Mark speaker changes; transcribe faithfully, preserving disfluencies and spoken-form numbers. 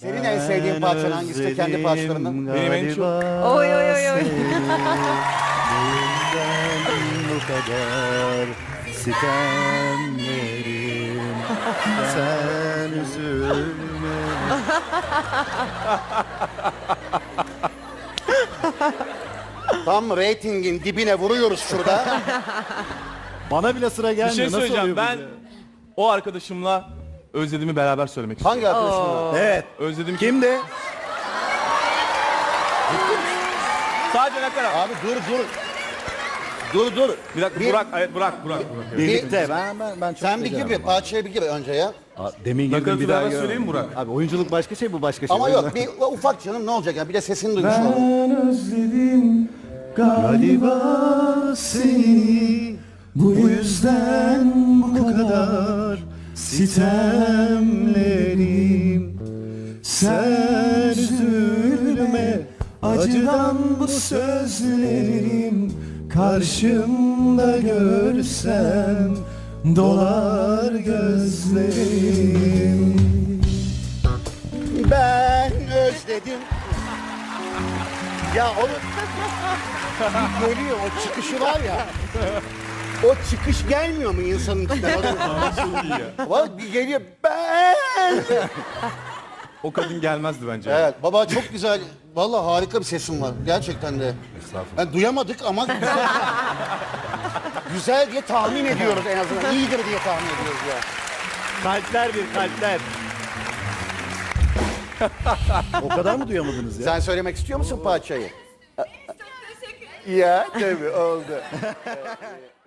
Speaker 1: Senin en sevdiğin parçan hangisi de kendi parçalarından?
Speaker 2: Benim en çok...
Speaker 3: Oy oy oy oy.
Speaker 4: Bu kadar sitemlerim, sen üzülme.
Speaker 1: Tam reytingin dibine vuruyoruz şurada.
Speaker 4: Bana bile sıra
Speaker 2: Bir
Speaker 4: gelmiyor.
Speaker 2: şey
Speaker 4: Nasıl
Speaker 2: söyleyeceğim.
Speaker 4: oluyor bu
Speaker 2: Ben
Speaker 4: ya?
Speaker 2: o arkadaşımla özlediğimi beraber söylemek istiyorum.
Speaker 1: Hangi arkadaşın?
Speaker 4: Evet.
Speaker 2: Özledim.
Speaker 4: Kimdi?
Speaker 2: Sadece ne kadar?
Speaker 1: Abi dur dur. Dur dur.
Speaker 2: Bir dakika
Speaker 1: Bir-
Speaker 2: Burak, evet Burak, Burak. Burak.
Speaker 4: Birlikte. Ben ben ben çok
Speaker 1: Sen bir gir bir
Speaker 4: beceremem.
Speaker 1: parçaya bir gir önce ya.
Speaker 4: Aa, Demin
Speaker 2: Nakaratı
Speaker 4: girdim bir daha
Speaker 2: beraber
Speaker 4: görmedim.
Speaker 2: söyleyeyim mi Burak?
Speaker 4: Abi oyunculuk başka şey, bu başka şey.
Speaker 1: Ama
Speaker 4: O
Speaker 1: yok
Speaker 4: yüzden-
Speaker 1: bir ufak canım ne olacak ya bir de sesini duymuş olalım.
Speaker 2: Ben özledim
Speaker 4: Galiba seni bu yüzden bu kadar sitemlerim. Sen üzülme, acıdan bu sözlerim karşımda görsem dolar gözlerim.
Speaker 1: Ben özledim. Ya onu bir geliyor o çıkışı var ya. O çıkış gelmiyor mu insanın içinden? Var bir geliyor ben.
Speaker 2: o kadın gelmezdi bence.
Speaker 1: Evet baba çok güzel. Vallahi harika bir sesin var. Gerçekten de. Yani duyamadık ama güzel. Güzel diye tahmin ediyoruz en azından. İyidir diye tahmin ediyoruz ya.
Speaker 4: Kalpler bir kalpler. O kadar mı duyamadınız ya?
Speaker 1: Sen söylemek istiyor musun parçayı? Ya tabii oldu.